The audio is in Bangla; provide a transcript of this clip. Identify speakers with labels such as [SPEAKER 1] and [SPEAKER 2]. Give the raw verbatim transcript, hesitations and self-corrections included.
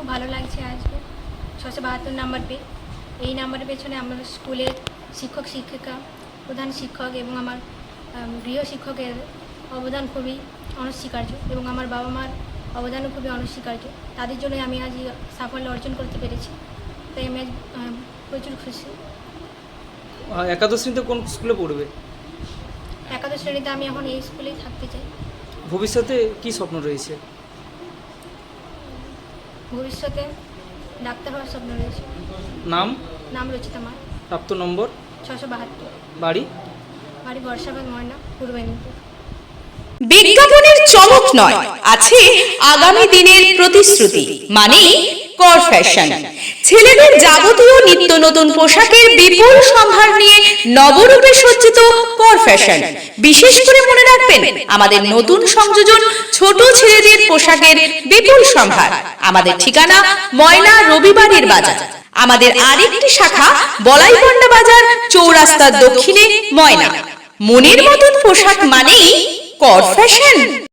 [SPEAKER 1] খুব ভালো লাগছে আজকে ছশো বাহাত্তর নাম্বার পেয়ে। এই নাম্বারের পেছনে আমার স্কুলের শিক্ষক শিক্ষিকা, প্রধান শিক্ষক এবং আমার গৃহ শিক্ষকের অবদান খুবই অনস্বীকার্য এবং আমার বাবা মার অবদানও খুবই অনস্বীকার্য। তাদের জন্য আমি আজ সাফল্য অর্জন করতে পেরেছি, তাই আমি আজ প্রচুর খুশি।
[SPEAKER 2] একাদশ শ্রেণীতে কোন স্কুলে পড়বে?
[SPEAKER 1] একাদশ শ্রেণীতে আমি এখন এই স্কুলেই থাকতে চাই।
[SPEAKER 2] ভবিষ্যতে কি স্বপ্ন রয়েছে?
[SPEAKER 1] ভবিষ্যতে ডাক্তার হওয়ার স্বপ্ন রয়েছে।
[SPEAKER 2] নাম?
[SPEAKER 1] নাম রচিতা মার।
[SPEAKER 2] প্রাপ্ত নম্বর?
[SPEAKER 1] ছশো বাহাত্তর।
[SPEAKER 2] বাড়ি?
[SPEAKER 1] বাড়ি বর্ষাবাদ, ময়না, পূর্ব মেদিনীপুর।
[SPEAKER 3] বিজ্ঞাপনের চমক নয়, আছে আগামী দিনের প্রতিশ্রুতি, মানে কর ফ্যাশন। ছেলেদের যাবতীয় নিত্য নতুন পোশাকের বিপুল সম্ভার নিয়ে নবরূপে সজ্জিত কর ফ্যাশন। বিশেষ করে মনে রাখবেন, আমাদের নতুন সংযোজন ছোট ছেলেদের পোশাকের বিপুল সম্ভার। আমাদের ঠিকানা ময়না রবিবারের বাজার। আমাদের আরেকটি শাখা বলাইপন্ডা বাজার, চৌরাস্তার দক্ষিণে, ময়না। মনের মতন পোশাক মানেই কর ফ্যাশন।